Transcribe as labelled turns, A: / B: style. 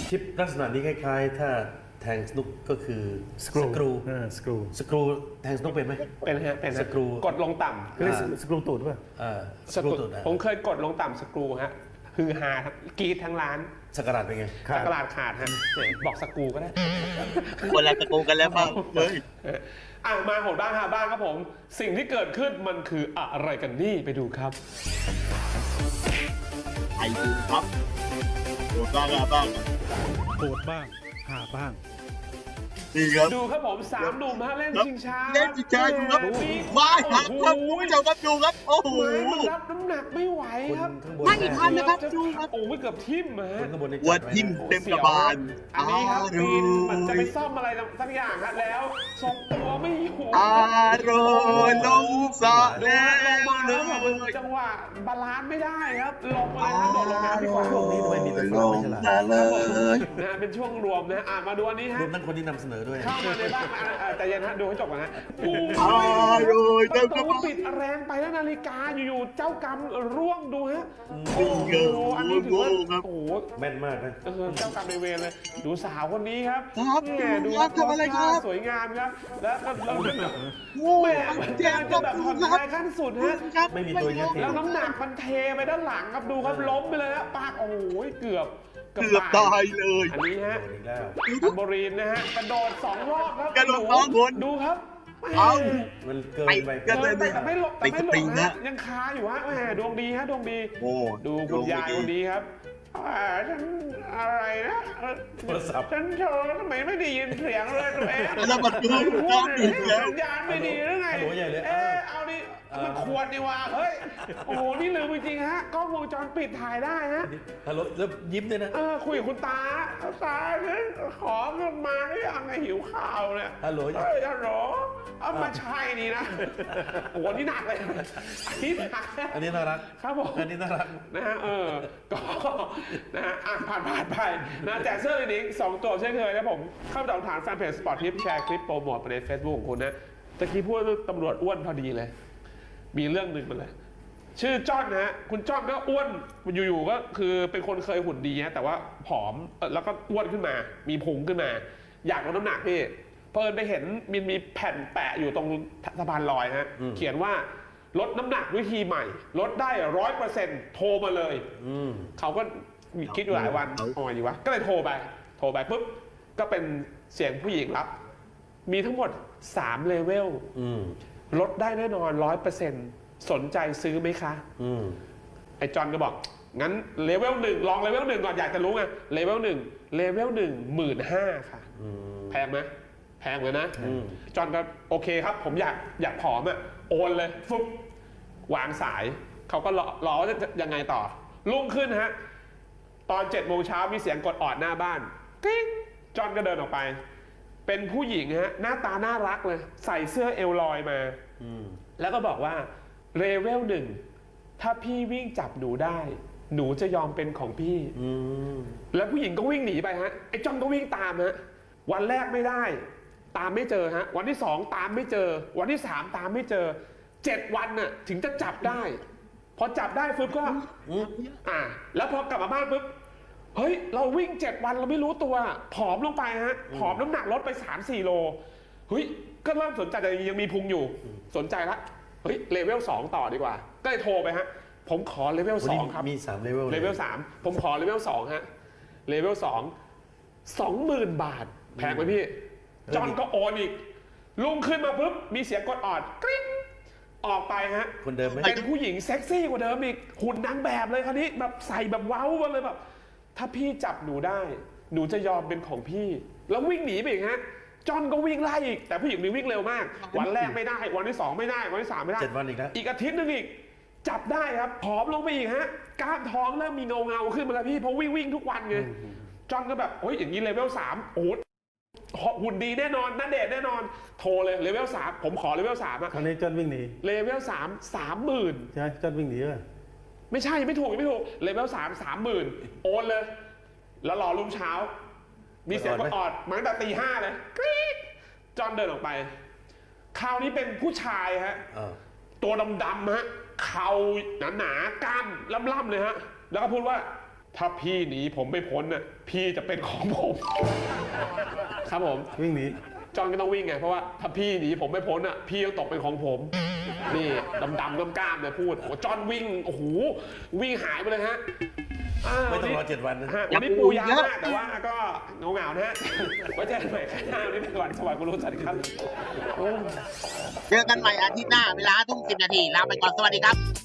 A: ชิปลักษณะนี้คล้ายๆถ้าแทงสนุกก็คือสกรูสกรูแทงสนุกเป็นไหม
B: เป็นฮะเป็น
A: สกรู
B: กดลงต่ำ
C: คือสกรูตูดป่ะ
A: สกรูตูด
B: ผมเคยกดลงต่ำสกรูฮะคือฮากรีดทั้งร้าน
A: สกราดเป็นไง
B: สกราดขาดฮะบอกสกรูก็ได้
D: คนละสกรูกันแล้วมั้งเฮ้ย
B: มาโหดบ้างฮะบ้างครับผมสิ่งที่เกิดขึ้นมันคืออะไรกันนี่ไปดูครับ
D: ไอดูครับโหดบ้างบ้าง
C: โหดบ้างหาบ้าง
D: ดีครับ
B: ดูครับผม3 หนุ่มฮะเล่นชิงช้า
D: เล่นชิงช้าอยู่ครับว้ายครับคุณผู้ชมครับดูครับโอ้โห
B: มันรับน้ำหนักไม่ไหวครับ
D: ไม่ทันนะครับดูครับ
B: โอ้ยเกือบทิ่มฮะ
D: วัดทิ่มเต็มกระบาล
B: อันนี้ครับปีนมันจะไปซ่อมอะไรสักอย่างครับแล้วทรงตัวไม่อยู่
D: อารมณ์ลงสะแล้ว
B: ลงมาแล้วแบบจังหวะบาลานซ์ไม่ได้ครับลงมาเลยครับโดดลงน้ำดีกว่า
A: ช่วงนี้ทำไมมีแต่
D: ลงมาเลย
B: นะเป็นช่วงรวมนะมาดูอันนี้ฮะ
A: รวมทั้งคนที่นำเสนอด้วย
B: เข้ามาในบ้านแต่ยันฮะดูให้จบก่อนนะประตูปิดแรงไปแล้วนาฬิกาอยู่ๆเจ้ากรรมร่วงดูฮะโอ้โหอันนี้ถือว่าโอ้โห
A: แม่นมากนะ
B: เจ้ากรรมในเวรเลยดูสาวคนนี้ครับ
D: ดูทำอะไรครับ
B: สวยงามครับแล้วเราแบบแม่แจ้งจะแบบผ่อนคลายขั้นสุดฮะ
A: ไม่มีตัวเยอะ
B: แล้วน้ำหนักมันเทไปด้านหลังครับดูครับล้มไปเลยฮะปากโอ้ยเกือบ
D: ตายเลย
B: อันนี้ฮะอัมโบรีนนะฮะกระโดด2 รอบครับ
D: กระโดด2 คน
B: ดูครับ
A: มันเกินไป
B: แต่ไม่หลบนะยังคาอยู่ฮะแหมดวงดีฮะดวงดีดูคุณยายคนนี้ครับฉันอะไรนะ
A: โทรศัพท์
B: ฉันโทรทำไมไม่ได้ยินเสียงเลยตัวเอง
D: แล้วมันดู
B: สัญญาณไม่ดีหรือไงเอาดิมันควรดีว่าเฮ้ยโอ้โหนี่ลืมจริงๆฮะกล้องวงจรปิดถ่ายได้ฮะ
A: ฮัลโหลแล้วยิ้มด้วยนะ
B: คุยกับคุณตาฉันขอเงินมาหรือยังไงหิวข้าวเนี่ย
A: ฮัลโหล
B: ฮัลโหลเอามาใช่นี่นะโอ้โหนี่หนักเลยอันนี้หนัก
A: อันนี้น่ารัก
B: ครับผม
A: อันนี้น่ารัก
B: นะฮะก็นะฮะผ่านไปนะแจกเสื้อลินิก2 ตัวเช่นเคยนะผมเข้าไปตามฐานแฟนเพจสปอร์ตทิปแชร์คลิปโปรโมทไปใน Facebook ของคุณนะตะกี้พูดตำรวจอ้วนพอดีเลยมีเรื่องหนึ่งมาเลยชื่อจ้อนนะฮะคุณจ้อนก็อ้วนอยู่ๆก็คือเป็นคนเคยหุ่นดีฮะแต่ว่าผอมแล้วก็อ้วนขึ้นมามีพุงขึ้นมาอยากลดน้ำหนักพี่เพิ่นไปเห็นมีแผ่นแปะอยู่ตรงสะพานลอยฮะเขียนว่าลดน้ำหนักวิธีใหม่ลดได้ 100% โทรมาเลยเขาก็คิดอยู่หลายวันเอาไงดีวะก็เลยโทรไปปุ๊บก็เป็นเสียงผู้หญิงรับมีทั้งหมด3 เลเวลลดได้แน่นอน 100% สนใจซื้อไหมคะไอ้จอนก็บอกงั้นเลเวล 1ลองเลเวล 1ก่อนอยากจะรู้ไงเลเวล 1เลเวล 15,000 ค่ะแพงไหมแพงเลยนะจอนก็โอเคครับผมอยากผอมอ่ะโอนเลยฟึบวางสายเขาก็รอว่าจะยังไงต่อรุ่งขึ้นฮะตอน7 โมงเช้ามีเสียงกดออดหน้าบ้านกิ๊งจอนก็เดินออกไปเป็นผู้หญิงฮะหน้าตาน่ารักเลยใส่เสื้อเอวลอยมาแล้วก็บอกว่าเลเวล 1ถ้าพี่วิ่งจับหนูได้หนูจะยอมเป็นของพี่แล้วผู้หญิงก็วิ่งหนีไปฮะไอ้จอนก็วิ่งตามฮะวันแรกไม่ได้ตามไม่เจอฮะวันที่2ตามไม่เจอวันที่3ตามไม่เจอ7 วันน่ะถึงจะจับได้พอจับได้ปุ๊บก็แล้วพอกลับมาบ้านปุ๊บเฮ้ยเราวิ่ง7 วันเราไม่รู้ตัวผอมลงไปฮะผอมน้ำหนักลดไป 3-4 โลเฮ้ยก็เริ่มสนใจแต่ยังมีพุงอยู่สนใจละเฮ้ยเลเวล 2ต่อดีกว่าก็เลยโทรไปฮะผมขอเลเวล 2ครับ
A: มี3เลเวล
B: เลเวล 3ผมขอเลเวล 2ฮะเลเวล 20,000 บาทแพงไหมพี่จอนก็โอนอีกลุงขึ้นมาปุ๊บมีเสียงกดออดกริ๊งออกไปฮะ
A: คนเดิมไหม
B: เป็นผู้หญิงเซ็กซี่กว่าเดิมอีกหุ่นนางแบบเลยคราวนี้แบบใส่แบบเว้ามาเลยแบบถ้าพี่จับหนูได้หนูจะยอมเป็นของพี่แล้ววิ่งหนีไปอีกฮะจอนก็วิ่งไล่อีกแต่ผู้หญิงนี่วิ่งเร็วมากวันแรกไม่ได้วันที่2ไม่ได้วันที่3ไม่ได้
A: 7 วันอีกนะ
B: อีกอาทิตย์นึงอีกจับได้ครับผอมลงไปอีกฮะกล้ามท้องเริ่มมีเงาขึ้นมาแล้วพี่เพราะวิ่งทุกวันไงจอนก็แบบโอ้ยอย่างนี้เลเวล 3โอ้หุ่นดีแน่นอนน่าเดทแน่นอนโทรเลยเลเวล 3ผมขอเลเวล 3อ่ะ
C: คราวนี้จอนวิ่งหนี
B: เลเวล 3 30,000
C: ใช่จอนวิ่งหนีป่ะ
B: ไม่ใช่ไม่ถูกเลเวล 3 30,000โอนเลยแล้วรอรุ่งเช้ามีเสียงกดออดมาตั้งแต่ตี 5เลยกรี๊ดจอนเดินออกไปคราวนี้เป็นผู้ชายฮะตัวดำๆฮะเข่าหนาๆกล้ามล่ำๆเลยฮะแล้วก็พูดว่าถ้าพี่หนีผมไม่พ้นน่ะพี่จะเป็นของผม ครับผม
C: วิ่งหนี
B: จอห์นก็ต้องวิ่งไงเพราะว่าถ้าพี่หนีผมไม่พ้นอ่ะพี่ต้องตกเป็นของผม นี่ดำกล้ามๆเลยพูดโอ้จอห์นวิ่งโอ้โหวิ่งหายไปเลยฮะ
A: ไม่ต้องรอ7 วันนะ
B: วันนี้ปูยาวมากแต่ว่าก็เหงาๆนะฮะไว้เจอกันใหม่ครั้งหน้าวันนี้ไปก่อนสวัสดีคุณรู้สวัสดีครับ
D: เจอกันใหม่อาทิตย์หน้าเวลา 5:10 นาทีลาไปก่อนสวัสดีครับ